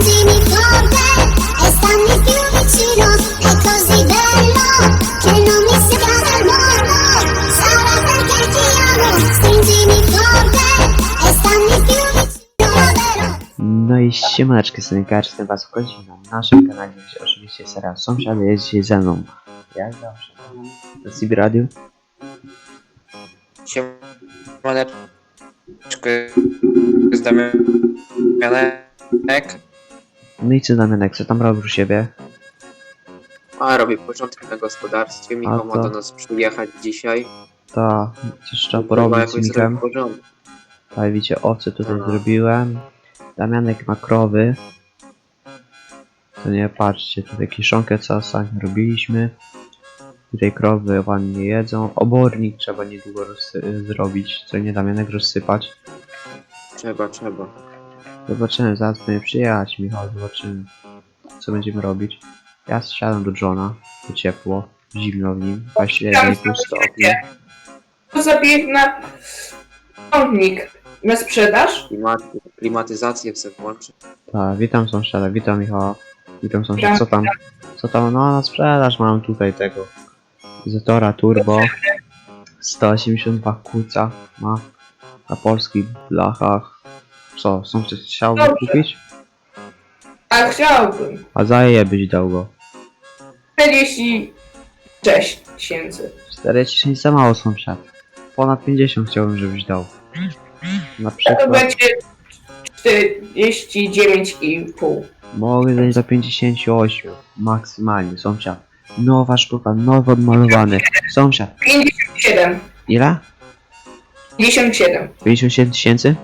Stringimi forte e stammi più vicino, è così bello che non mi sembra del mondo. Sarà perché ti amo. Stringimi forte e stammi più vicino, vero? No i siemaneczki synkarz, jestem was wchodzi na naszym kanale, gdzie oczywiście serial Sąsiady jest dzisiaj ze mną. Jak zawsze na CB Radio. Siemaneczko, z Damianek. No i co Damianek, co tam robisz u siebie? A robię porządek na gospodarstwie. Michał ma to? do nas przyjechać dzisiaj. To coś trzeba Chyba porobić z jakoś zrobić Michem. porządek. Tak, widzicie, owce tutaj Aha. zrobiłem. Damianek ma krowy. To nie, patrzcie, tutaj kiszonkę co sami robiliśmy. Tutaj krowy ładnie jedzą. Obornik trzeba niedługo zrobić, co nie Damianek rozsypać. Trzeba. Zobaczymy, zaraz będzie przyjechać Michał, zobaczymy co będziemy robić. Ja zsiadam do Johna, to ciepło, zimno w nim, 21,5 stopni. To zabieg na ciągnik na sprzedaż. Klimatyzację chcę włączyć. Tak, witam sąsiada, witam Michała, witam sąsiada, co tam, no na sprzedaż mam tutaj tego Zetora Turbo, 182 kuca ma na polskich blachach. Co, sąsiad chciałby Dobrze. kupić? A chciałbym. A za ile byś dał go? 46 tysięcy. 40 za mało sąsiad. Ponad 50 chciałbym, żebyś dał. Na To przykład będzie 49,5. mogę dać za 58 maksymalnie sąsiad. Nowa sztuka, nowo odmalowany. Sąsiad. 57. Ile? 57. 57 tysięcy?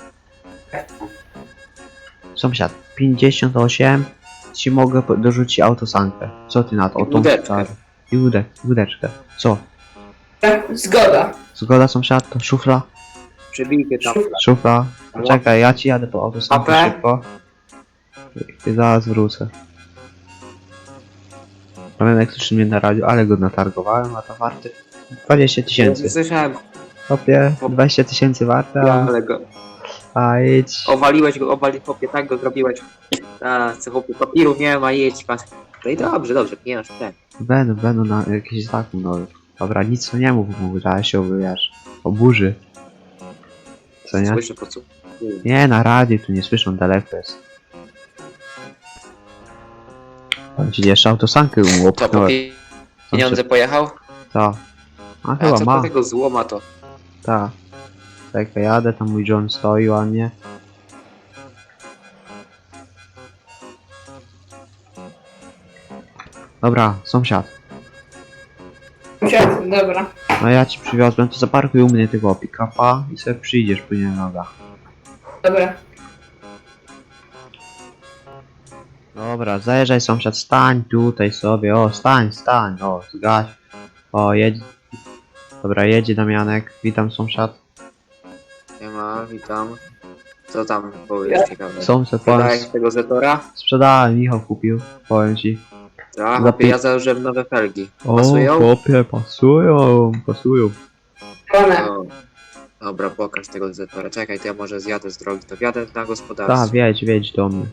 Sąsiad. 58 ci mogę dorzucić autosankę. Co ty na to? O tą Łódeczkę. stary. I łódeczkę. Co? Zgoda. Zgoda sąsiad? To szufla? Przebijkę tam. Szufla. Czekaj, ja ci jadę po autosankę AP? szybko. I zaraz wrócę. Pamiętam jak słyszy mnie na radiu, ale go natargowałem, a to warty 20 tysięcy. Słyszałem, Hopie, 20 tysięcy warte, ale go a idź. owaliłeś go, chłopie, tak go zrobiłeś. A, co chłopie, papieru nie ma, jedź pan. No i dobrze, nie masz ten. Będą na jakiś zakup nowy. Dobra, nic to nie mów mu, ale się wiesz, oburzy. Co nie? Słyszę po co. Nie, na radiu tu nie słyszą, daleko jest. On ci jeszcze autosankę mu To po opchnąłem. pieniądze pojechał? Ta. A A chyba co ma. po tego złoma to? Ta. Tak, jadę, tam mój John stoi ładnie. Dobra, sąsiad. Dobra. No ja ci przywiozłem, to zaparkuj u mnie tego pick-upa i sobie przyjdziesz później na nogach. Dobra. Dobra, zajeżdżaj sąsiad, stań tutaj sobie, o stań, o zgaś. O, jedź. Dobra, jedzie Damianek, witam sąsiad. Nie ma, witam. Co tam powiesz ciekawe? Sąsiad, powiem, Podałeś tego Zetora? sprzedałem, Michał kupił, powiem ci. Tak, Za ja założyłem nowe felgi. O, Pasują? chłopie, pasują. One. No. Dobra, pokaż tego Zetora. Czekaj, to ja może zjadę z drogi, to wjadę na gospodarstwo. Tak, wiedź do mnie.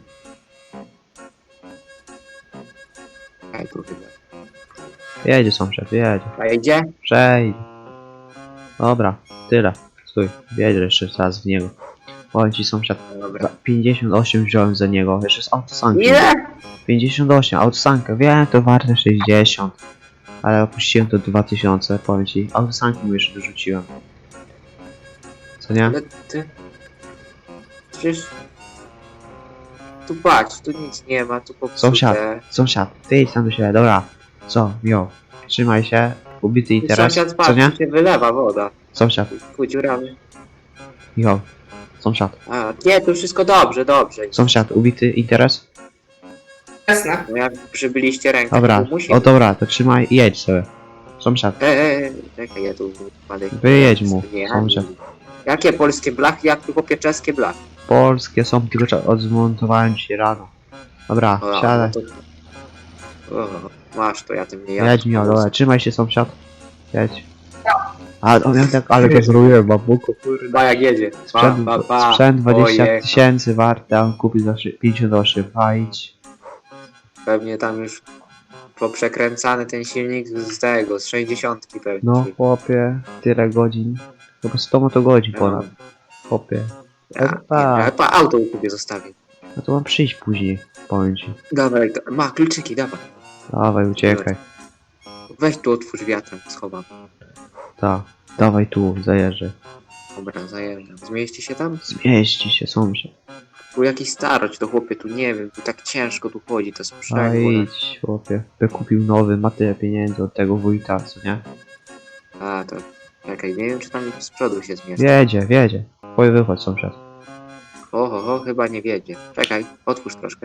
Czekaj, tu chyba. Jedzie sąsiad, jedzie. A idzie? Przejdź. Dobra, tyle. Stój, wiedź jeszcze raz w niego. Powiem ci sąsiad, Dobra. 58 wziąłem za niego, jeszcze z autosanki. Ile? 58, autosankę, wiem, to warte 60. Ale opuściłem to 2000, powiem ci. Autosanki mu jeszcze dorzuciłem. Co nie? Ale ty... Przecież... Tu patrz, tu nic nie ma, tu popsute. Sąsiad, ty idź tam do siebie, dobra. Co, miło. Trzymaj się, ubity interes, Sąsiad co patrz, nie? tu się wylewa woda. Sąsiad, Ku dziurami. Michał. Sąsiad, A, nie, tu wszystko dobrze. sąsiad, ubity interes? Jasne. No jak przybyliście rękę, Dobra, to musi... o dobra, to trzymaj i jedź sobie. Sąsiad, Czekaj, ja tu wpadek. wyjedź mu, sąsiad. Jakie polskie blachy, jak tu chłopie czeskie blachy? Polskie są, tylko odzmontowałem ci rano. Dobra, O, siadaj. no to... O, masz to, ja tym nie jadę. Jedź Michał, dobra, trzymaj się sąsiad. Jedź. A on miał tak, ale go zrobiłem, babuku, kurde. Chyba jak jedzie. Sprzęt, sprzęt 20 Pojechał. tysięcy warte, a on kupił za 58, idź. Pewnie tam już poprzekręcany ten silnik z tego, z 60 pewnie. No chłopie, tyle godzin. Chyba 100 motogodzin ponad. Chłopie. Ja chyba auto u ciebie zostawił. No to mam przyjść później, powiem ci. Dawaj, ma kluczyki, dawaj. Dawaj, uciekaj. Weź tu otwórz wiatrem, schowam. Tak, dawaj tu, zajeżdżę. Dobra, zajeżdżam. Zmieści się tam? Zmieści się, sąsiad. Tu jakiś starość, to chłopie, tu nie wiem, tu tak ciężko tu chodzi, to A sprzęgło. idź, chłopie. By kupił nowy, ma tyle pieniędzy od tego wójta, co nie? A, to... Czekaj, nie wiem, czy tam z przodu się zmieści. Wiedzie. Twój wychodź, sąsiad. Oho, chyba nie wiedzie. Czekaj, otwórz troszkę.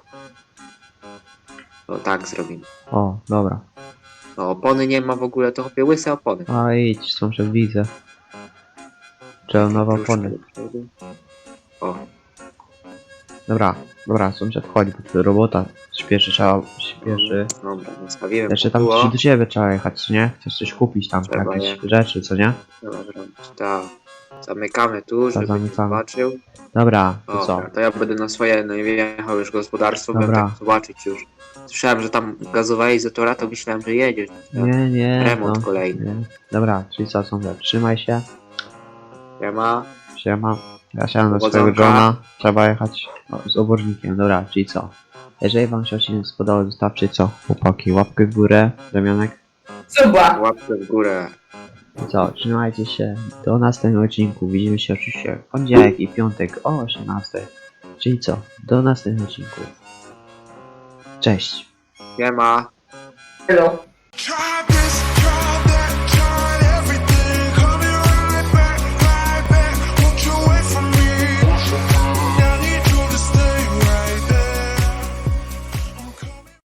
O, tak zrobimy. O, dobra. No, opony nie ma w ogóle, to chłopie łyse opony. A idź, sąsiad, widzę. Trzeba nowe Troszkę opony. do przodu. O, Dobra, sąsiad, chodź, bo tu robota śpieszy. dobra, zostawiłem. Jeszcze tam było. gdzieś do ciebie trzeba jechać, nie? Chcesz coś kupić tam, Trzeba jakieś jechać. rzeczy, co nie? Trzeba zrobić, tak. Zamykamy tu, żeby nie zamykamy. zobaczył. Dobra, to co? Dobra, to ja będę na swoje, no nie wjechał już gospodarstwo, Dobra. będę tak zobaczyć już. Słyszałem, że tam gazowałeś zatora, to myślałem, że jedziesz. Nie, Remont no, kolejny. nie. Dobra, czyli co, sąsiad, trzymaj się. Siema. Siema. Ja siadam do Powodzonka. swojego Johna. Trzeba jechać z obornikiem. Dobra, czyli co? Jeżeli wam się odcinek spodobał, zostawcie co? Chłopaki, łapkę w górę. Damianek. Suba. Łapkę w górę. I co? Trzymajcie się. Do następnego odcinku. Widzimy się oczywiście w poniedziałek i piątek o 18. Czyli co? Do następnego odcinku. Cześć. Siema. Hello. Try